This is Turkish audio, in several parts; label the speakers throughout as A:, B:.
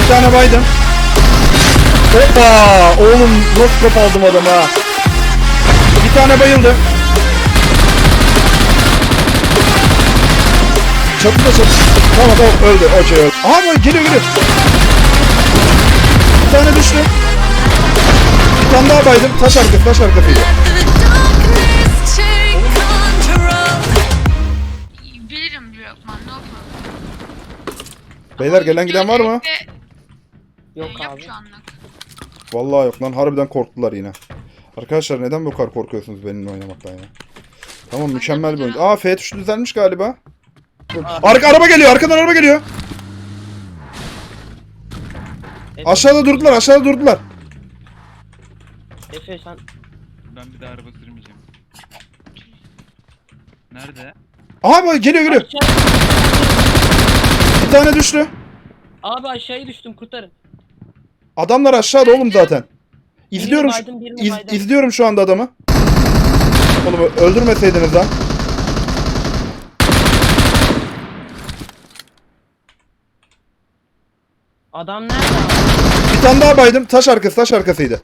A: tane baydım. Hoppa! Oğlum roskop aldım adama. Bir tane bayıldı. Çatıda çatı. Tamam öldü. Okey öldü. Aha bak geliyor. Bir tane düştü. Bir tane daha baydım. Taş arkasıydı.
B: Bilirim Lokman, ne yapalım?
A: Beyler gelen giden var mı?
C: Yok
B: Yok
C: abi.
B: şu anlık.
A: Vallahi yok lan. Harbiden korktular yine. Arkadaşlar neden bu kadar korkuyorsunuz benimle oynamaktan ya? Tamam mükemmel bir oyun. Aa F tuşu düzelmiş galiba. Araba geliyor. Arkadan araba geliyor. Aşağıda durdular.
C: Efe sen
D: Ben bir daha araba sürmeyeceğim. Nerede?
A: Aha bak geliyor.
C: aşağı...
A: Bir tane düştü.
C: Abi aşağıya düştüm, kurtarın.
A: Adamlar aşağıda oğlum zaten. İzliyorum.
C: Birini baydım.
A: İzliyorum şu anda adamı. Oğlum öldürmeseydiniz lan.
C: Adam nerede abi?
A: Bir tane daha baydım. Taş arkasıydı.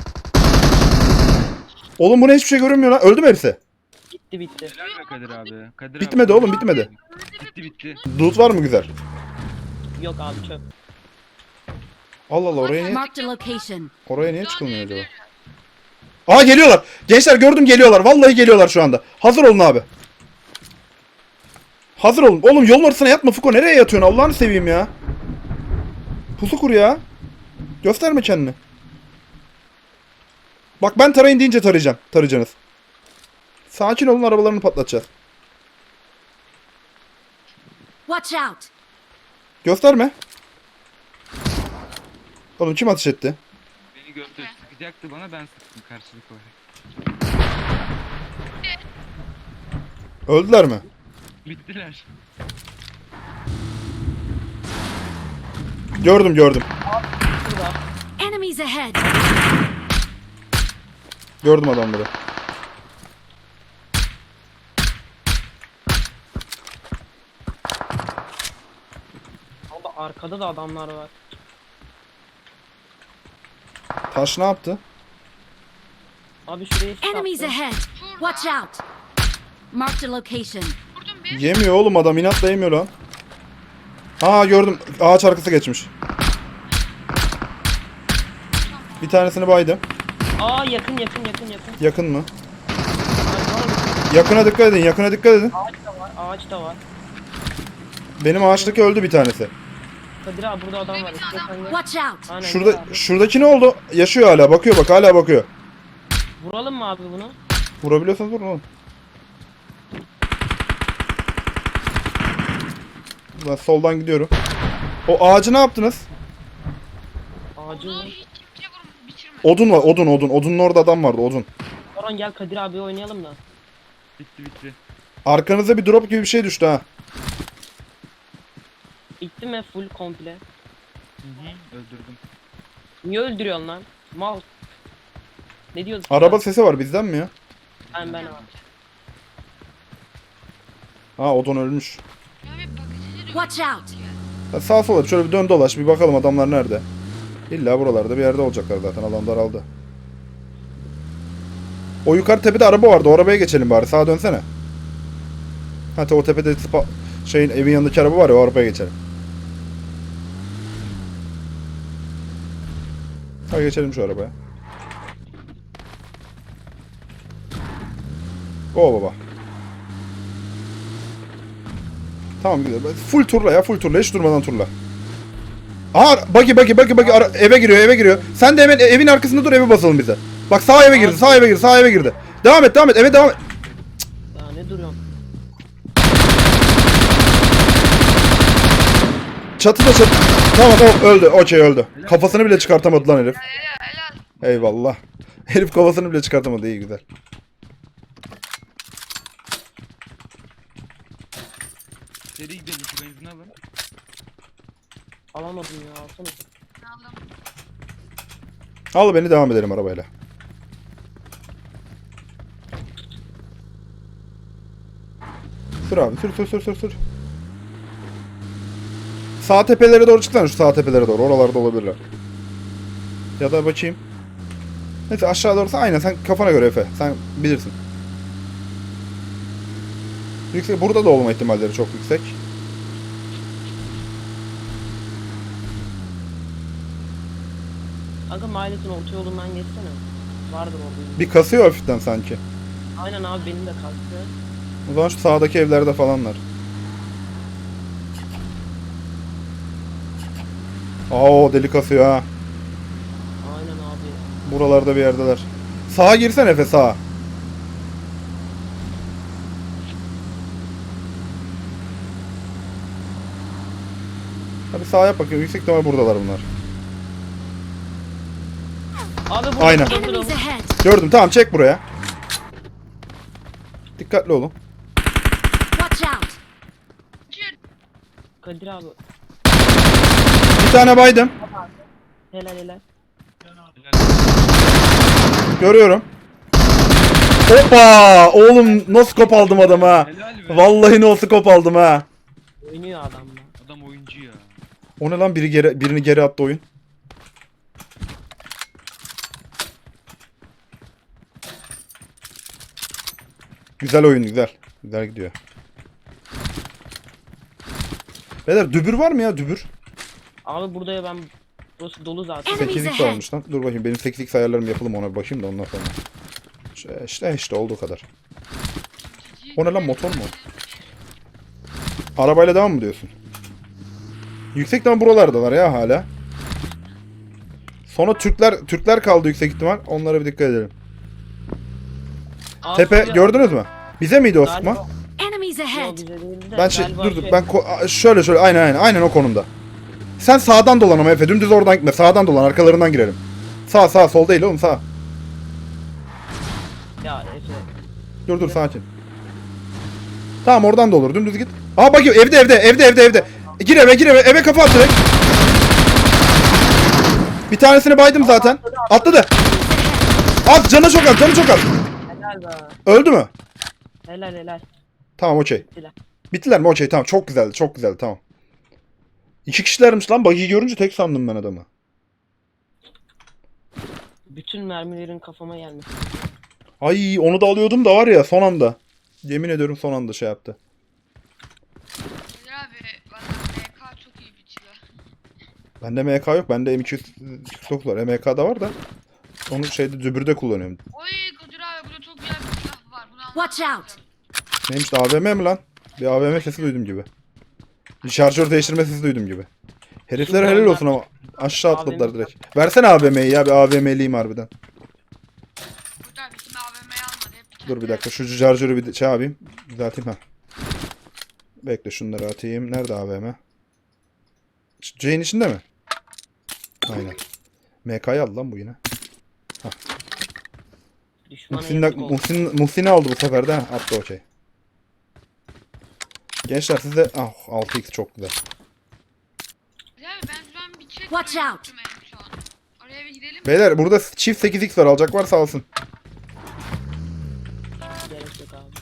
A: Oğlum bu ne, hiçbir şey görünmüyor lan. Öldü mü hepsi?
C: Bitti.
D: Helal be Kadir abi. Kadir
A: Bitmedi
D: abi.
A: oğlum, bitmedi.
D: Bitti.
A: Loot var mı güzel?
C: Yok abi, çöp.
A: Allah Allah,
E: Marked a location.
A: oraya niye çıkılmıyor acaba? Aa geliyorlar. Gençler gördüm, geliyorlar. Vallahi geliyorlar şu anda. Hazır olun abi. Hazır olun. Oğlum yolun ortasına yatma Fuko. Nereye yatıyorsun? Allah'ını seveyim ya. Pusu kur ya. Gösterme kendini. Bak ben tarayın deyince tarayacaksınız. Sakin olun, arabalarını patlatacağız.
E: Watch out.
A: Gösterme. Oğlum kim ateş etti?
D: Beni gördü. Sıkacaktı bana, ben sıktım karşılık olarak.
A: Öldüler mi?
D: Bittiler.
A: Gördüm.
C: Burada.
E: Enemies ahead.
A: Gördüm adamları.
C: Abi arkada da adamlar var.
A: Taş ne yaptı?
C: Abi şuraya
E: Enemies
C: çıkarttı.
E: ahead. Watch out. Marked a location.
B: Vurdum bir.
A: Yemiyor oğlum adam, inatla yemiyor lan. Aa gördüm, ağaç arkası geçmiş. Bir tanesini baydım.
C: Aa yakın.
A: Yakın mı?
C: Ay,
A: Yakına dikkat edin.
C: ağaç da var.
A: Benim ağaçtaki öldü bir tanesi.
C: Kadir abi burada adam var. İstiyorsan gel.
E: Watch out.
C: Aynen, gel
A: Şurada,
C: abi.
A: şuradaki ne oldu? Yaşıyor hala, bakıyor bak, hala bakıyor.
C: Vuralım mı abi bunu?
A: Vurabiliyorsanız vurun oğlum. Ben soldan gidiyorum. O ağacı ne yaptınız?
C: Ağacı
B: Onu
C: vur.
B: hiç kimse bitirmedi.
A: Odun var, odun. Odunun orada adam vardı, odun.
C: Orhan gel Kadir abi oynayalım da.
D: Bitti.
A: Arkanıza bir drop gibi bir şey düştü ha.
C: Bitti mi full komple?
D: Öldürdüm.
C: Niye öldürüyorsun lan? Mal. Ne diyorsun?
A: Araba sesi var, bizden mi ya?
C: Ben abi.
A: Ha odun ölmüş.
B: Ya bir bakıcı
E: Watch out.
A: Ha, sağa sola şöyle bir dön dolaş, bir bakalım adamlar nerede. İlla buralarda bir yerde olacaklar zaten, alan daraldı. O yukarı tepede araba vardı, o arabaya geçelim bari, sağa dönsene. Hatta o tepede şeyin, evin yanındaki araba var ya, o arabaya geçelim. Hadi geçelim şu arabaya. O baba. Tamam güzel. Full turla ya, full turla, hiç durmadan turla. Aha buggy eve giriyor. Sen de hemen evin arkasında dur, eve basalım bize. Bak sağ eve girdi. Devam et eve devam et.
C: Daha ne duruyorsun?
A: Çatıda. Tamam öldü. Okey öldü. Kafasını bile çıkartamadı lan herif.
B: helal.
A: Eyvallah. Herif kafasını bile çıkartamadı, iyi güzel.
D: Seri gidelim, şu benzin alın.
C: Alamadım ya, alsana.
B: Aldım.
A: Al beni, devam edelim arabayla. Sür abi, sür. Sağ tepelere doğru çıksana, şu sağ tepelere doğru. Oralarda olabilirler. Ya da bakayım. Neyse aşağı doğrusu aynen, sen kafana göre Efe. Sen bilirsin. Yüksek, burada da olma ihtimalleri çok yüksek.
C: Aga mahalletin orta yolundan geçsene. Vardır orada.
A: Bir kasıyor hafiften sanki.
C: Aynen abi benim de kalktı.
A: O zaman şu sağdaki evlerde falanlar. Aa, deli kasıyor ha.
C: Aynen abi.
A: Buralarda bir yerdeler. Sağa girsen Efe, sağa. Hadi sağa yap bakayım. Yüksek ihtimal buradalar bunlar.
C: Abi burada
A: Aynen.
C: burada, burada.
E: Enemies ahead.
A: Gördüm, tamam, çek buraya. Dikkatli olun.
E: Watch out.
C: Kadir abi.
A: Bir tane baydım.
C: Helal helal.
A: Görüyorum. Hoppa! Oğlum nasıl kop aldım adamı ha.
D: Helal be.
A: Vallahi nasıl kop aldım ha.
C: Oynuyor adam da.
D: Adam oyuncu ya.
A: O ne lan, birini geri attı oyun. Güzel oyun, güzel. Güzel gidiyor. Beyler dübür var mı ya, dübür?
C: Abi burada ya ben burası dolu zaten.
E: Enemies
A: 8x
E: ahead.
A: almış lan. Dur bakayım, benim 8x ayarlarım yapalım, ona bir bakayım da ondan sonra. İşte olduğu kadar. O ne lan, motor mu? Arabayla devam mı diyorsun? Yüksekten buralardalar ya hala. Sonra Türkler kaldı yüksek ihtimal. Onlara bir dikkat edelim.
C: Abi
A: Tepe
C: ya-
A: gördünüz mü? Bize miydi o sıkma?
C: Galiba-
E: Enemies
C: Yok,
E: ahead.
C: bize değildi de
A: Ben
C: galiba
A: dur ben şöyle aynen o konumda. Sen sağdan dolan ama Efe, dümdüz oradan gitme. Sağdan dolan, arkalarından girelim. Sağ sol değil oğlum, sağ.
C: Ya Efe.
A: Dur sakin. Tamam, oradan da olur, dümdüz git. Aa bak, evde. Gir eve kafa at direkt. Bir tanesini baydım zaten. Atladı. Az, canı çok az.
C: Helal be.
A: Öldü mü?
C: Helal.
A: Tamam, okey.
C: Bittiler.
A: Bittiler mi? Okey, tamam, çok güzeldi tamam. 2 kişilermiş lan, buggy'i görünce tek sandım ben adamı.
C: Bütün mermilerin kafama gelmesi.
A: Ay, onu da alıyordum da var ya, son anda. Yemin ediyorum son anda şey yaptı.
B: Kadir abi valla MK çok iyi bir silah.
A: Bende MK yok, bende M249 var. MK da var da. Onu şeyde, dübürde kullanıyorum.
B: Oy Kadir abi burada çok güzel bir silah var. Bunu
E: Watch out.
A: Neymiş de, AVM mi lan? Bir AVM sesi duydum gibi. Bir şarjör değiştirme sesi duydum gibi. Heriflere helal olsun ama aşağı atladılar direkt. Versene AVM'yi ya, bir AVM'liyim harbiden.
B: Kadir abi şimdi AVM'yi almadı. Hep
A: Dur bir dakika, şu şarjörü bir şey yapayım. Düzelteyim ha. Bekle, şunları atayım. Nerede AVM? C'nin içinde mi? Aynen. MK'yı aldı lan bu yine.
C: Düşmana yazık oldu.
A: Muhsin'i aldı bu sefer de. Ha, attı, okey. Gençler sizde 6x çok güzel.
B: Kadir abi ben şu an bir check
E: Watch out.
B: şu an. Oraya bir gidelim.
A: Beyler burada çift 8x var, alacak varsa alsın.
C: Gerek yok abi.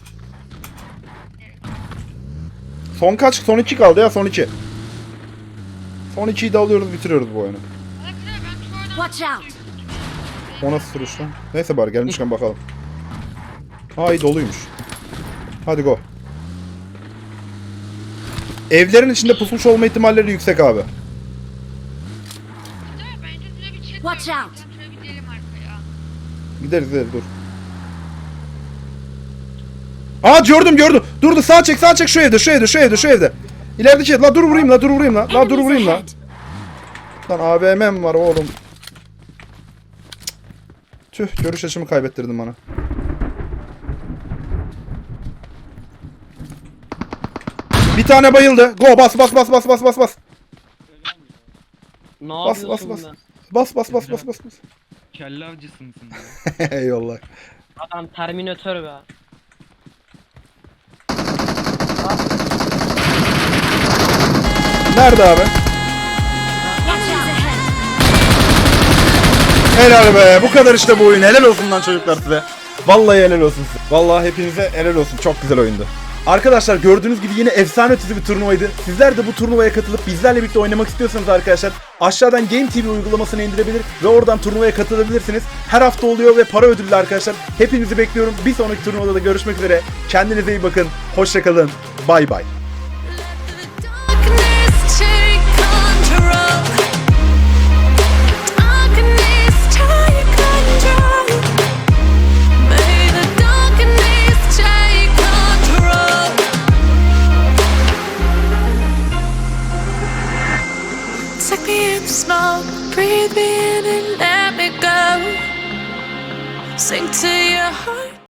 A: Son kaç? Son 2 kaldı ya, son 2. Son 2'yi de alıyoruz, bitiriyoruz bu oyunu.
B: Valla Kadir abi ben şu oradan
E: Watch out.
A: O nasıl sürüş lan? Neyse bari gelmişken bakalım. Ay, doluymuş. Hadi go. Evlerin içinde pusmuş olma ihtimalleri yüksek abi.
B: Kadir abi bence şuraya bir check
E: Watch
B: koyalım.
E: out.
B: Şuraya bir gidelim arkaya.
A: Gideriz dur. Aa, gördüm. Durdu, sağ çek şu evde. İlerideki ev. La dur vurayım la.
E: Enemies ahead.
A: Lan AVM'm var oğlum. Tüh, görüş açımı kaybettirdin bana. Bir tane bayıldı. Go, bas.
C: Ne
A: Bas,
C: yapıyorsun
A: bas.
C: be?
A: Bas.
D: Kelle avcısı mısın ya?
A: Eyvallah.
C: Adam Terminator be.
A: Nerede abi?
E: Enemies ahead.
A: Helal be. Bu kadar işte bu oyun. Helal olsun lan çocuklar size. Vallahi helal olsun size. Vallahi hepinize helal olsun. Çok güzel oyundu. Arkadaşlar gördüğünüz gibi yine efsane ötesi bir turnuvaydı. Sizler de bu turnuvaya katılıp bizlerle birlikte oynamak istiyorsanız arkadaşlar aşağıdan Game TV uygulamasını indirebilir ve oradan turnuvaya katılabilirsiniz. Her hafta oluyor ve para ödüllü arkadaşlar. Hepinizi bekliyorum. Bir sonraki turnuvada da görüşmek üzere. Kendinize iyi bakın. Hoşça kalın. Bay bay.
F: Darkness take control. Darkness take control. May the darkness take control. Take me in the smoke, breathe me in and let me go. Sink to your heart.